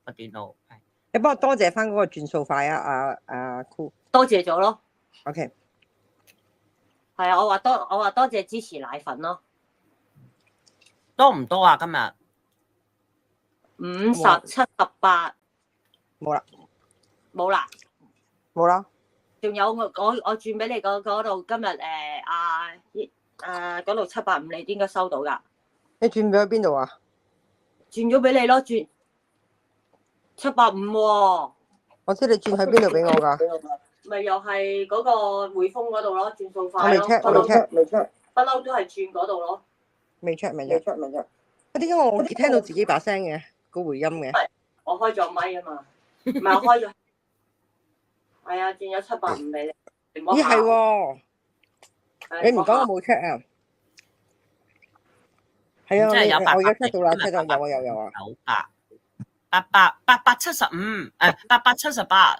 個電腦。 你幫我多謝翻嗰個轉數快啊！阿酷， 多謝咗咯。 OK。 係啊，我話多謝支持奶粉咯。 多唔多啊？今日 50、78。 冇啦。 冇啦。 冇啦。 仲有我轉俾你嗰度，今日嗰度750，你應該收到㗎。 你轉咗去邊度啊？ 轉咗俾你咯，轉750喎。 我知你轉去邊度俾我㗎？ 咪又係嗰個匯豐嗰度咯，轉數快咯。 我未 check， 不嬲都係轉嗰度咯。 未 check。點解我聽到自己把聲嘅個回音嘅？ 我開咗咪啊嘛，唔係我開咗。係啊，轉咗750俾你。 咦係喎，你唔講我冇 check 啊？係啊，我而家 check 到啦，check 到有啊。 875， 878。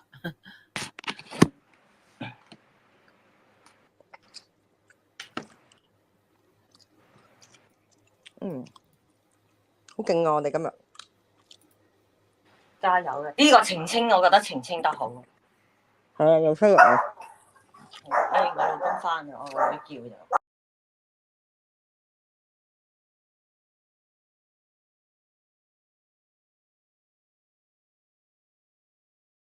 好勁啊！我哋今日加油嘅呢個澄清，我覺得澄清得好。 係啊，又出嚟。 我老公翻嚟，我會叫就。